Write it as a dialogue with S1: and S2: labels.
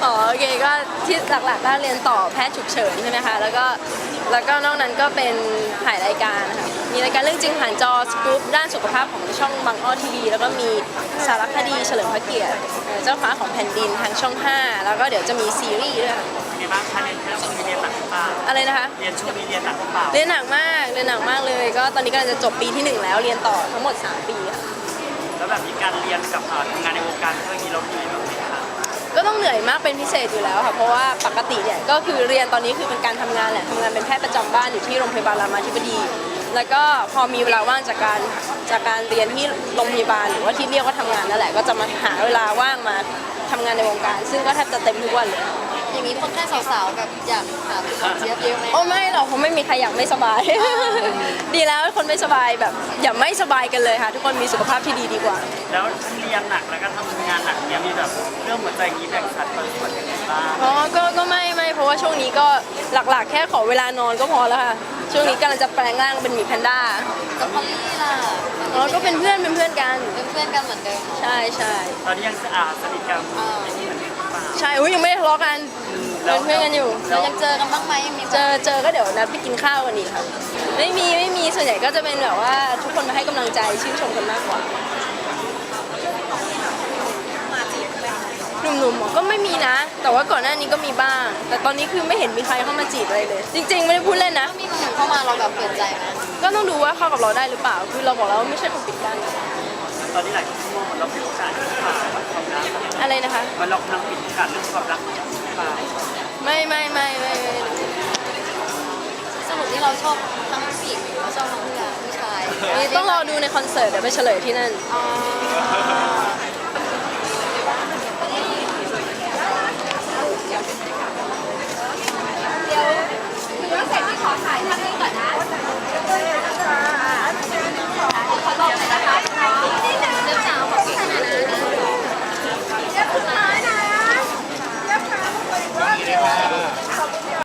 S1: อ๋อโอเคก็ที่หลักๆก็เรียนต่อแพทย์ฉุกเฉินใช่ไหมคะแล้วก็นอกนั้นก็เป็นถ่ายรายการนะคะมีรายการเรื่องจริงผ่านจอสกู๊ปด้านสุขภาพของช่องบางอ้อทีวีแล้วก็มีสารคดีเฉลิมพระเกียรติเจ้าฟ้าของแผ่นดินทางช่อง 5แล้วก็เดี๋ยวจะมีซีรีส์ด้วยค่ะ
S2: มีบ้างคะเรียนช่วงนี้เรียนหนักหรือเปล่า
S1: อะไรนะคะ
S2: เรียนช่วงนี้เรียนหนักหรือเปล่า
S1: เรียนหนักมากเลยก็ตอนนี้กำลังจะจบปีที่ 1แล้วเรียนต่อทั้งหมด3 ปีค่ะ
S2: แล้วแบบมีการเรียนกับทำงานในวงการเรื่องนี้เราเหนื่อยแบบไหนคะ
S1: ก็ต้องเหนื่อยมากเป็นพิเศษอยู่แล้วค่ะเพราะว่าปกติเนี่ยก็คือเรียนตอนนี้คือเป็นการทำงานแหละทำงานเป็นแพทย์ประจำบ้านอยู่ที่โรงพยาบาลรามาธิบดี แล้วก็พอมีเวลาว่างจากการเรียนที่โรงพยาบาลหรือว่าที่เรียกว่าทำงานนั่นแหละก็จะมาหาเวลาว่างมาทำงานในวงการ ซึ่งก็แทบจะเต็มทุกวันเลย
S3: อย่างนี้คนไข้สาวๆแบบอยากถามคุณหมอเจี๊ยบเยอะไหม
S1: โอ้ไม่หรอกเพราะไม่มีใครอยากไม่สบาย ดีแล้วคนไม่สบายแบบอย่าไม่สบายกันเลยค่ะทุกคนมีสุขภาพที่ดีดีกว่า
S2: แล้วเรียนหนักแล้วก็ทำงานหนักเนี่ยมีแบบเรื่องหัวใจอย่างนี้แบ่งสัดส่วนยังไงบ้าง
S1: อ๋อก็ไม่เพราะว่าช่วงนี้ก็หลักๆ แค่ขอเวลานอนก็พอแล้วค่ะช่วงนี้กำลังจะแปลงร่างเป็นหมีแพนด้า
S3: กับพอลลี่ล่ะ
S1: อ๋อก็เป็นเพื่อนกัน
S3: เป็นเพื่อนกันเหมือนเดิม
S1: ใช่
S2: ตอนนี้ยังสนิทกันอย่างนี้เหมือนเดิมหรือเปล่า
S1: ใช่อุ้ยยังไม่ได้ทะเลาะกันเป็นเพื่อนกันอยู่
S3: เรายังเจอกันบ้างไหมยังมี
S1: เจอก็เดี๋ยวนัดไปกินข้าวกันอีกครับไม่มีส่วนใหญ่ก็จะเป็นแบบว่าทุกคนมาให้กำลังใจชื่นชมกันมากกว่าหนุ่มๆก็ไม่มีนะ แต่ว่าก่อนหน้านี้ก็มีบ้าง แต่ตอนนี้คือไม่เห็นมีใครเข้ามาจีบอะไรเลย จริงๆไม่ได้พูดเล่นนะ
S3: มีคนเข้ามาเราแบบเปิดใจไหม
S1: ก็ต้องดูว่าเข้ากับเราได้หรือเปล่า คือเราบอกแล้วว่าไม่ใช่คนปิดกั้น
S2: ตอนนี้หลายคนมองเหมือนเราปิดโอกาสหรือเปล่าความรัก
S1: อะไรนะคะ
S2: มันเรากำลังปิดโอกาสเรื่องความรักหรือเปล่า
S1: ไม่
S3: สรุปที่เราชอบทั้งผู้หญิงหรือว่าชอบทั้งผู้ชาย
S1: นี่ต้องรอดูในคอนเสิร์ตเดี๋ยวไปเฉลยที่นั่น
S3: อ๋อ